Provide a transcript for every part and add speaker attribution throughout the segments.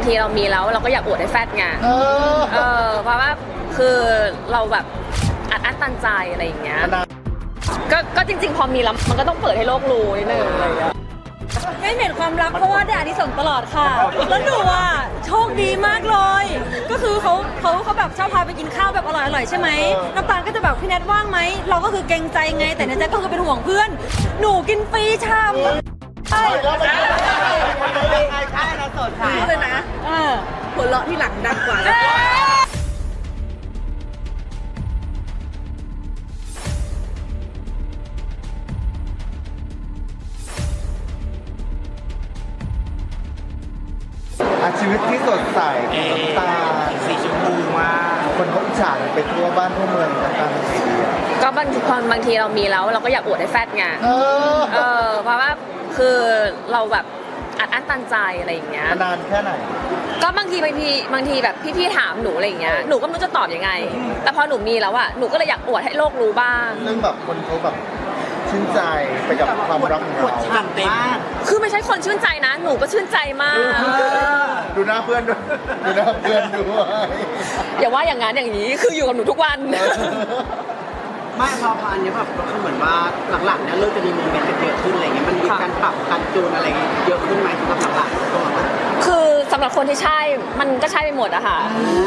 Speaker 1: ทีเรามีแล้วเราก็อยากอวดให้แฟดไงเพราะว่าคือเราแบบอัดอั้นตันใจอะไรอย่างเงี้ยก็จริงๆพอมีแล้วมันก็ต้องเปิดให้โลกรู้นิดนึงอะไรอย่างเงี้ย
Speaker 2: ไม่เห็นความรักเพราะว่าได้อานิสงส์ตลอดค่ะแล้วหนูอ่ะโชคดีมากเลยก็คือเขาแบบชอบพาไปกินข้าวแบบอร่อยๆใช่ไหมน้ำตาลก็จะแบบพี่แนทว่างไหมเราก็คือเกรงใจไงแต่ในใจก็คือเป็นห่วงเพื่อนหนูกินฟรีชามใช่
Speaker 3: ใช่เราสดค่ะ
Speaker 2: เลยนะหัวเราะที่หลังดังกว่า
Speaker 3: ชีวิตที่สดใสน้ำตาสีชมพูมากคนเขาอิจฉาไปทั่วบ้านทั่วเมืองกันตามไอเดีย
Speaker 1: ก็บางทีเรามีแล้วเราก็อยากอวดให้แฟดไงเพราะว่าคือเราแบบอัดอั้นตันใจอะไรอย่างเงี้ย
Speaker 3: นานแค่ไหน
Speaker 1: ก็บางทีแบบพี่ถามหนูอะไรอย่างเงี้ยหนูก็ไม่รู้จะตอบยังไงแต่พอหนูมีแล้วอะหนูก็เลยอยากอวดให้โลกรู้บ้าง
Speaker 3: ซึ่งแบบคนเขาแบบชื่นใจไปกับความรักของเรา
Speaker 1: คือไม่ใช่คนชื่นใจนะหนูก็ชื่นใจมาก
Speaker 3: ดูหน้าเพื่อนด้วยดูหน้าเพื่อนด้วย
Speaker 1: อย่าว่าอย่างนั้นอย่างนี้คืออยู่กับหนูทุกวัน
Speaker 4: ไม่พออันนี้แบบก็เหมือนว่าหลังๆเนี่ยเริ่มจะมีโมเมนต์กันเยอะขึ้นอะไรเงี้ยมันมีการปรับการจูนอะไรเยอะขึ้นไหมสำหรับหลังๆตัวมัน
Speaker 1: คือสำหรับคนที่ใช่มันก็ใช่ไปหมดอะค่ะ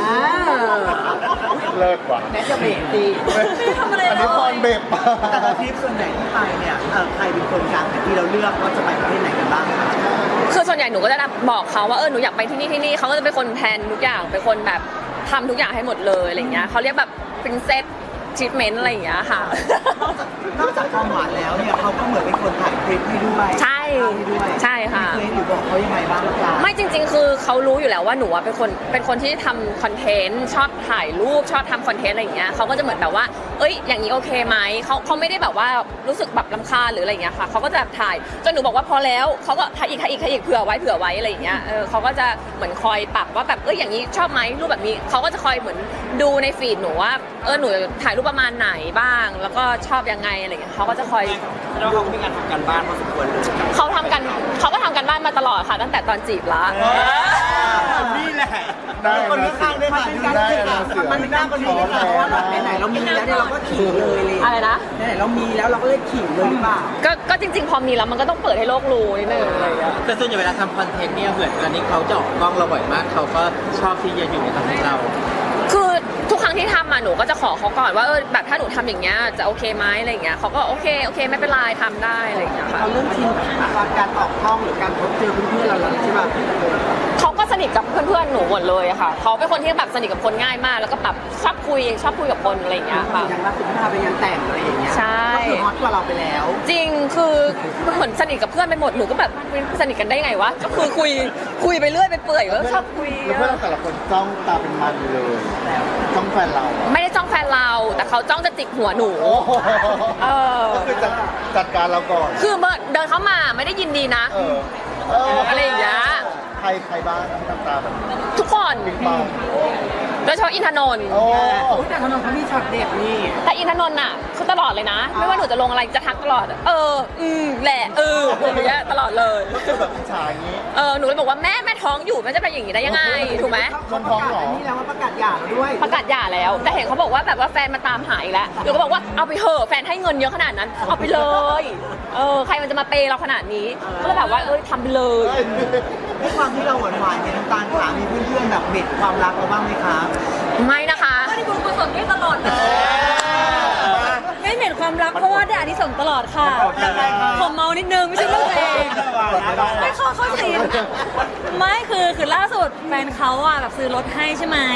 Speaker 3: เลิศว่ะ
Speaker 4: แม้จะเบรกดี
Speaker 2: ไม่ทำอะไร
Speaker 3: อันนี้พรเบรก
Speaker 4: แต่ทริปส่วนใหญ่ที่ไปเนี่ยใครเป็นคนกลางที่เราเลือกว่าจะไปประเทศไหนกันบ้าง
Speaker 1: คือส่วนใหญ่หนูก็จะบอกเขาว่าหนูอยากไปที่นี่เขาก็จะเป็นคนแพลนทุกอย่างเป็นคนแบบทำทุกอย่างให้หมดเลยอะไรเงี้ยเขาเรียกแบบ princess treatment อะไรอย่างเงี้ยค่ะ
Speaker 4: นอกจากความหวานแล้วเนี่ยเขาก็เหมือนเป็นคนถ่ายคลิปให้ด้วย
Speaker 1: ใช่ค่ะ
Speaker 4: เคยหนูบอกเขายังไงบ้างคะ
Speaker 1: ไม่จริงๆคือเขารู้อยู่แล้วว่าหนูเป็นคนที่ทำคอนเทนต์ชอบถ่ายรูปชอบทำคอนเทนต์อะไรอย่างเงี้ยเขาก็จะเหมือนแบบว่าอย่างนี้โอเคไหมเขาไม่ได้แบบว่ารู้สึกแบบรำคาญหรืออะไรอย่างเงี้ยค่ะเขาก็จะถ่ายจนหนูบอกว่าพอแล้วเขาก็ถ่ายอีกเผื่อไว้อะไรอย่างเงี้ยเขาก็จะเหมือนคอยปรับว่าแบบอย่างนี้ชอบไหมรูปแบบนี้เขาก็จะคอยเหมือนดูในฟีดหนูว่าหนูถ่ายรูปประมาณไหนบ้างแล้วก็ชอบยังไงอะไรอย่างเงี้ยเขาก็จะคอย
Speaker 4: แล้วเขามีการทำการบ้านพอสมควรเลย
Speaker 1: เขาก็ทำการบ้านมาตลอดค่ะตั้งแต่ตอนจีบละ
Speaker 4: นี่แหละคนข้างได้ค่ะมันเป็นหน้าคนนี้ค่ะเพราะว่าไหนเรามีแล้วเนี่ยเราก็ขิงเลย
Speaker 1: อะไรนะ
Speaker 4: ไหนเรามีแล้วเราก็เลยขิงเลยหรือเปล่า
Speaker 1: ก็จริงๆพอมีแล้วมันก็ต้องเปิดให้โลกรู้นิดนึงอะไรอย่างเงี้ย
Speaker 4: แต่ส่วนใหญ่เวลาทำคอนเทนต์เนี่ยเหมือนตอนนี้เขาเจาะกล้องเราบ่อยมากเขาก็ชอบที่จะอยู่ในตำแหน่งเรา
Speaker 1: คือทุกครั้งที่ทำมาหนูก็จะขอเขาก่อนว่าแบบถ้าหนูทำอย่างเงี้ยจะโอเคไหมอะไรอย่างเงี้ยเขาก็โอเคไม่เป็นไรทำได้อะไรอย่างเงี้ยค่ะ
Speaker 4: เขาเรื่องชินกับการออกกล้องหรือการพบเจอเพื่อนๆเราใช่ป่ะ
Speaker 1: เขาก็สนิทกับเพื่อนๆหนูหมดเลยอะค่ะเขาเป็นคนที่แบบสนิทกับคนง่ายมากแล้วก็แบบชอบคุยกับคนอะไรอย่างเงี้ยค่ะ
Speaker 4: อย่างล่าสุดที่พาไปงานแต่งอะไรอย่างเงี้ย
Speaker 1: ใช่
Speaker 4: ก็คือฮอตกว่าเราไปแล้ว
Speaker 1: จริงคือเหมือนสนิทกับเพื่อนไปหมดหนูก็แบบสนิทกันได้ไงวะก็คือคุยไปเรื่อยไปเปื่อยก็ชอบคุย
Speaker 3: เพื่อนแต่ละคนจ้องตาเป็นมันเลยจ้องแฟนเรา
Speaker 1: ไม่ได้จ้องแฟนเราแต่เขาจ้องจะจิกหัวหนู
Speaker 3: ก็คือจัดการเราก่อน
Speaker 1: คือเดินเข้ามาไม่ได้ยินดีนะอะไรอย่างเงี้ย
Speaker 3: ใครบ้างที่ทำตาแบบ
Speaker 1: ทุกคนโดยเฉพาะอินทนนท์
Speaker 4: แต่อินทนนท์เขามีช็อตเด็ดนี่
Speaker 1: แต่อินทนนท์อ่ะคือตลอดเลยนะไม่ว่าหนูจะลงอะไรจะทักตลอดแหละอย่างเงี้ยตลอดเลย
Speaker 3: แบบฉายอย่างนี้
Speaker 1: หนูเลยบอกว่าแม่ท้องอยู่แม่จะเป็นอย่างนี้ได้ยังไงถูกไหม
Speaker 3: คนท้องหรอ
Speaker 4: นี่แล้วว่าประกาศหย่าแล้วด้วย
Speaker 1: ประกาศหย่าแล้วแต่เห็นเขาบอกว่าแบบว่าแฟนมาตามหาอีกแล้วหนูก็บอกว่าเอาไปเถอะแฟนให้เงินเยอะขนาดนั้นเอาไปเลยใครมันจะมาเปย์เราขนาดนี้ก็เลยแบบว่าทำไปเลย
Speaker 4: ด้วยความที่เราหวานๆเนี่ยน้ำตาลขามีเพื่อนๆแบบเบ็ดความรักเราบ้างไหมคะ
Speaker 1: ไม่นะคะ
Speaker 2: ไม่ได้บุญกุศลด้วยตลอดเลยไม่เห็นความรักเพราะว่าได้อานิสงส์ตลอดค่ะผมเมานิดนึงไม่ใช่เรื่องเองไม่เข้าสิไม่คือล่าสุดแฟนเขาแบบซื้อรถให้ใช่ไหม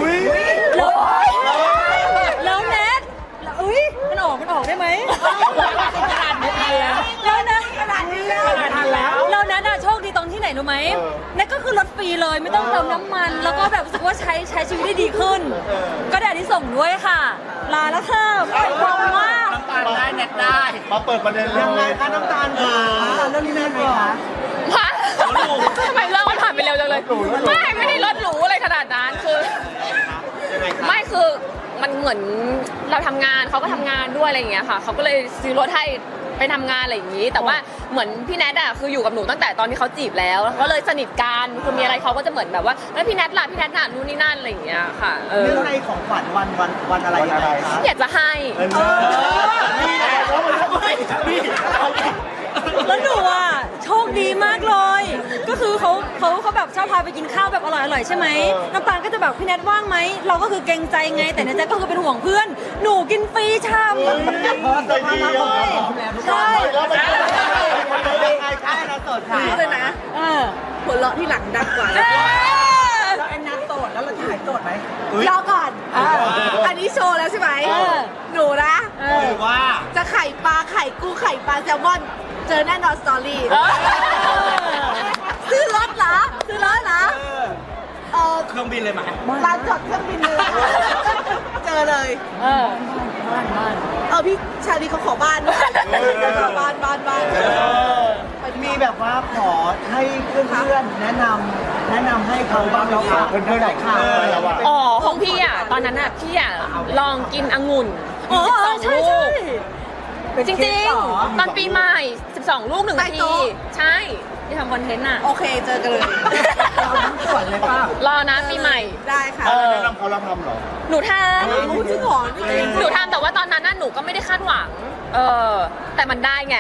Speaker 2: แล้วแนทมันออกได้ไหมแล้วนะแล้วนัทโชคดีตรงที่ไหนรู้ไหมนั่นก็คือรถฟรีเลยไม่ต้องเติมน้ำมันแล้วก็แบบรู้สึกว่าใช้ชีวิตได้ดีขึ้นก็ได้ที่ส่งด้วยค่ะลาแล้วค่ะไปความว่า
Speaker 4: น้ำตาลได้เน็ตได้
Speaker 3: มาเปิดประเด็นเรื่อง
Speaker 4: อะไรคะน้ำตาลค่ะเรื่องนี้แม่ก่อน
Speaker 1: ทำไมเรื่องมันผ่านไปเร็วจังเลยไม่ได้รถหรูอะไรขนาดนั้นคือไม่คือมันเหมือนเราทำงานเขาก็ทำงานด้วยอะไรอย่างเงี้ยค่ะเขาก็เลยซื้อรถให้ไปทำงานอะไรอย่างนี้ แต่ว่าเหมือนพี่แนทอะคืออยู่กับหนูตั้งแต่ตอนที่เขาจีบแล้วก็เลยสนิทกันคือมีอะไรเขาก็จะเหมือนแบบว่าแล้วพี่แนทล่ะพี่แนทน่ะนู่นนี่นั่นอะไรอย่างเงี้ยค่ะ
Speaker 3: เรื่
Speaker 4: เรื่องในของขวัญวันอะไรยังไงคะ
Speaker 1: อยากจะให้
Speaker 3: นี่แหละแล้วมันนี่
Speaker 2: แล้วหนูอ่ะโชคดีมากเลย ก็คือเขาแบบชอบพาไปกินข้าวแบบอร่อยๆใช่ไหมน้ำตาลก็จะแบบพี่แนทว่างไหมเราก็คือเกรงใจไงแต่ในใจก็คือเป็นห่วงเพื่อน หนูกินฟรีช่ำ
Speaker 3: ใจดีอ่ะ
Speaker 2: ใช่
Speaker 3: แล้วมัน
Speaker 4: ใช่นะสดค่ะ
Speaker 5: เลยนะ
Speaker 2: เออ
Speaker 5: หัวเราะที่หลังดังกว่า
Speaker 2: เออ
Speaker 4: แล้วแอนนาโสดแล้วเราจะหายโสดไหม
Speaker 5: รอก่อน อันนี้โชว์แล้วใช่ไหม หนูนะ
Speaker 2: เออ
Speaker 4: หรือว่า
Speaker 5: จะไข่ปลาไข่กุ้งไข่ปลาแซลมอน เจอแน่นอนสตอรี่ ซื้อรถเหรอ ซื้อรถเหรอ
Speaker 4: เครื่องบินเลยไหม
Speaker 5: ร้านจอดเครื่องบินเลย เจอเลย
Speaker 2: เออบ้าน
Speaker 5: พี่ชาลีเขาขอบ้านด้วยบ้าน
Speaker 4: มีแบบว่าขอให้เพื่อนๆแนะนำให้เขาบ้างแล้วค่ะ
Speaker 3: เพื่อนๆไหนค่ะ
Speaker 1: อ๋อของพี่อ่ะตอนนั้นอ่ะพี่อ่ะลองกินองุ่น
Speaker 2: อ๋อ
Speaker 1: 12
Speaker 2: ใช่
Speaker 1: ลู
Speaker 2: ใช่
Speaker 1: กจริงๆ ตอนปีใหม่ 12 ลูก1นาทีใช่
Speaker 2: ที่ทำคอนเทนต์อ่ะ
Speaker 5: โอเคเจอกันเลย
Speaker 4: เราทั้งส่วนเลยป่ะ
Speaker 1: รอนะปีใหม่
Speaker 5: ได้ค่ะ
Speaker 3: แนะนำเขาเราทำเหรอ
Speaker 1: หนูท
Speaker 5: รู้จริงเหรอนี่จริง
Speaker 1: ำหนูทำแต่ว่าตอนนั้นน่ะหนูก็ไม่ได้คาดหวัง แต่มันได้ไง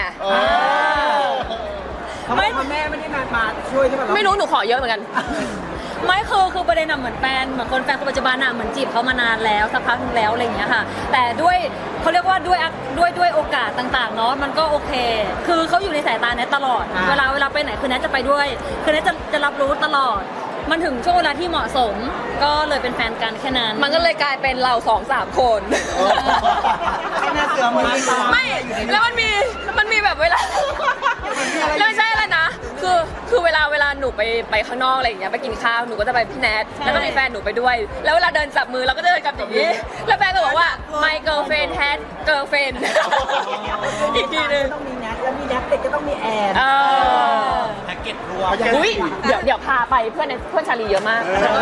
Speaker 4: ทำไมพ่อแม่ไม่ได้มาช่วยใช่ไหม
Speaker 1: ไม่รู้หนูขอเยอะเหมือนกัน
Speaker 2: ไม่คือประเด็นอะเหมือนแฟนคนปัจจุบันอะเหมือนจีบเขามานานแล้วสักพักนึงแล้วอะไรอย่างเงี้ยค่ะ แต่ด้วยเขาเรียกว่าด้วยโอกาสต่างๆเนาะมันก็โอเค คือเขาอยู่ในสายตาแนทตลอด เวลาไปไหนคือแนทจะไปด้วย คือแนทจะรับรู้ตลอด มันถึงช่วงเวลาที่เหมาะสม ก็เลยเป็นแฟนกันแค่นั้น
Speaker 1: มันก็เลยกลายเป็นเรา2-3 คน
Speaker 4: ไอ้หน้าเสือมือตา
Speaker 1: ไม่แล้วมันมีแบบเวลาแล้วไม่ใช่อะไรนะ คือเวลาหนูไปข้างนอกอะไรอย่างเงี้ยไปกินข้าวหนูก็จะไปพี่แนทแล้วก็มีแฟนหนูไปด้วย แล้วเวลาเดินจับมือเราก็จะเดินกับอย่างนี้แล้วแฟนก็บอกว่า my girlfriend had girlfriend อีกทีนึง
Speaker 4: ต้องมีแนทแล้วมีแนทเด็กก็ต้องมีแอน แพ็กเกจรวม
Speaker 1: อุ้ยเดี๋ยวพาไปเพื่อนชาลีเยอะมาก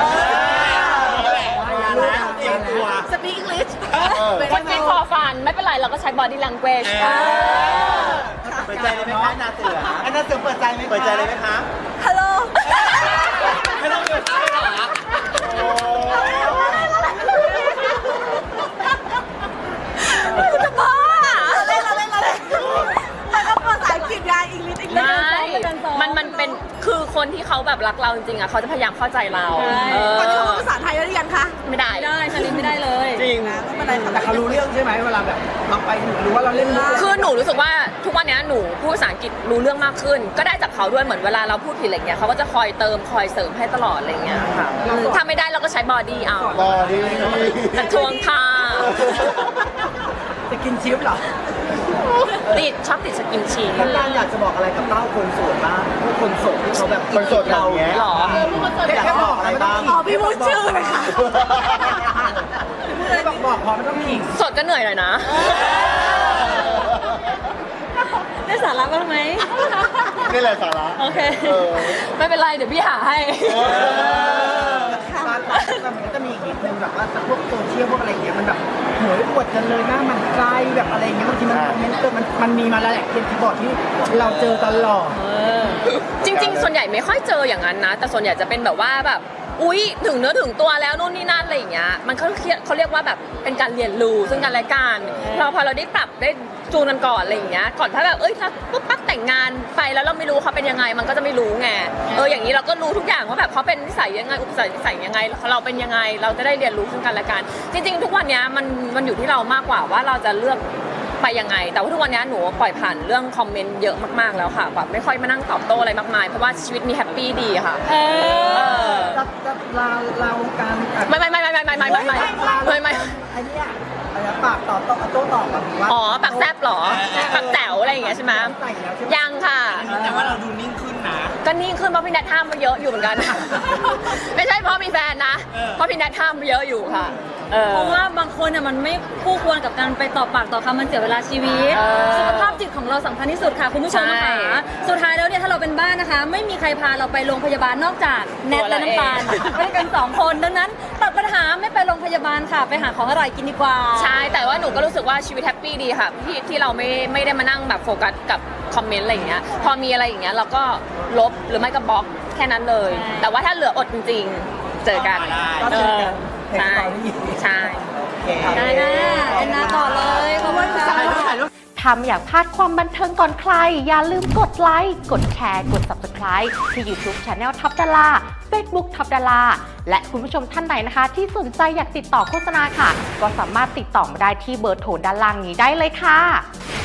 Speaker 4: เตรียมตัว
Speaker 5: สปีกอังกฤษ
Speaker 1: คนฟิตฟอร์ฟันไม่เป็นไรเราก็ใช้ body language
Speaker 4: เปิดใจเลยไหมคะนาเสือไอ้นาเสือเปิดใจไหมเปิดใจเลยไหมคะ
Speaker 5: ฮัลโหล
Speaker 4: ไม่ต้องเปิดใจหรอ
Speaker 5: จะบ้าเล่นแล้วก็ภาษาอังกฤษไงอังกฤษ
Speaker 1: ไม่มันเป็นคือคนที่เขาแบบรักเราจริงๆอ่ะเขาจะพยายามเข้าใจเรา
Speaker 5: ตอนนี้เขาพูดภาษาไทยได้หรือยังคะ
Speaker 1: ไม่ได้
Speaker 2: ไม่ได้ชาลินไม่ได้เลย
Speaker 1: จริง
Speaker 5: ไม่เป็นไรค่ะ
Speaker 4: แต่เขารู้เรื่องใช่ไหมเวลาแบบเราไปหรือว่าเราเล่นมุก
Speaker 1: คือหนูรู้สึกว่าทุกวันนี้หนูพูดภาษาอังกฤษรู้เรื่องมากขึ้น ก็ได้จากเขาด้วยเหมือนเวลาเราพูดผิดอะไรเงี้ยเขาก็จะคอยเติมคอยเสริมให้ตลอดอะไรเงี้ยค่ะถ้าไม่ได้เราก็ใช้บอดี้เอา
Speaker 3: บอดี้
Speaker 1: ทวงท่า
Speaker 4: จะกินชิปเหรอ
Speaker 1: ชอบติดสกินชี
Speaker 4: น้ำตาลอยากจะบอกอะไรกับเต้าคนโสดบ้างพวกคนโสดที่เขาแบบ
Speaker 3: คนโสดอย่างเงี้ย
Speaker 1: หรอ
Speaker 4: อยากบอกอะไรบ้าง
Speaker 5: อ๋อพี่พูดชื่อเลยค่ะ
Speaker 4: ไม่บอกพอไม่ต้องขิง
Speaker 1: สดก็เหนื่อยหน่อยนะ
Speaker 2: ได้สาระบ้างไหม
Speaker 3: นี่แหละสาระ
Speaker 2: โอเค
Speaker 1: ไม่เป็นไรเดี๋ยวพี่หาให้
Speaker 4: มันก็จะมีอีกนิดนึงแบบว่าพวกโซเชียลพวกอะไรอย่างเงี้ยมันแบบโหยปวดกันเลยหน้ามันไกลแบบอะไรอย่างเงี้ยบางทีมันคอมเมนต์มันมีมาแล้วแหละเป็นที่บอกที่เราเจอตลอด
Speaker 1: จริงๆ ส่วนใหญ่ไม่ค่อยเจออย่างนั้นนะ แต่ส่วนใหญ่จะเป็นแบบว่าแบบอุ๊ยถึงเนื้อถึงตัวแล้วนู่นนี่นั่นอะไรอย่างเงี้ยมันเขาเรียกว่าแบบเป็นการเรียนรู้ซึ่งกันและกันพอเราได้ปรับได้จูนกันก่อนอะไรอย่างเงี้ยก่อนถ้าแบบถ้าปุ๊บปั๊บแต่งงานไปแล้วเราไม่รู้เขาเป็นยังไงมันก็จะไม่รู้ไงอย่างนี้เราก็รู้ทุกอย่างว่าแบบเขาเป็นนิสัยยังไงอุปนิสัยยังไงเราเป็นยังไงเราจะได้เรียนรู้ซึ่งกันและกันจริงๆ ทุกวันเนี้ยมันอยู่ที่เรามากกว่าว่าเราจะเลือกไปยังไงแต่ว่าทุกวันนี้หนูปล่อยผ่านเรื่องคอมเมนต์เยอะมากๆแล้วค่ะแบบไม่ค่อยมานั่งตอบโต้อะไรมากมายเพราะว่าชีวิตมีแฮปปี้ดีค่ะ
Speaker 4: เราการ
Speaker 1: ไม่ไ
Speaker 4: อ้เนี่ยอะไรปากต่อโต้ตอบแบบว่า
Speaker 1: อ๋อปากแซบเหรอปากแจ๋วอะไรอย่างเงี้ยใช่ไหมยังค่ะ
Speaker 4: แต่ว่าเราดูนิ่งขึ้นนะ
Speaker 1: ก็นิ่งขึ้นเพราะพี่แนทห้ามมาเยอะอยู่เหมือนกัน ไม่ใช่เพราะมีแฟนนะเพราะพี่แนทห้ามมาเยอะอยู่ค่ะ
Speaker 2: เพราะว่าบางคนเนี่ยมันไม่คู่ควรกับการไปต่อปากต่อคำมันเสียเวลาชีวิต สุขภาพจิตของเราสำคัญที่สุดค่ะคุณผู้ชม
Speaker 1: ใช่
Speaker 2: ค่ะสุดท้ายแล้วเนี่ยถ้าเราเป็นบ้านนะคะ ไม่มีใครพาเราไปโรงพยาบาลนอกจากแนทและน้ำตาลไปกัน2 คนดังนั้นตัดปัญหาไม่ไปโรงพยาบาลค่ะ ไปหาของอร่อยกินดีกว่า
Speaker 1: ใช่ แต่ว่าหนูก็รู้สึกว่าชีวิตแฮปปี้ดีค่ะที่เราไม่ได้มานั่งแบบโฟกัสกับคอมเมนต์อะไรอย่างเงี้ยพอมีอะไรอย่างเงี้ยเราก็ลบหรือไม่ก็บล็อกแค่นั้นเลย
Speaker 2: ใช่
Speaker 1: แต่ว่าถ้าเหลืออดจริงๆเจอกัน
Speaker 3: ก็เจอกัน
Speaker 1: ใช่ใช่
Speaker 2: ได้นะแอนนาต่อเลยขอบคุณค่ะ
Speaker 6: ถ้าไม่อยากพลาดความบันเทิงก่อนใคร อย่าลืมกดไลค์ กดแชร์ กด Subscribe ที่ YouTube Channel ท็อปดารา Facebook ท็อปดาราและคุณผู้ชมท่านไหนนะคะ ที่สนใจอยากติดต่อโฆษณาค่ะ ก็สามารถติดต่อมาได้ที่เบอร์โทรด้านล่างนี้ได้เลยค่ะ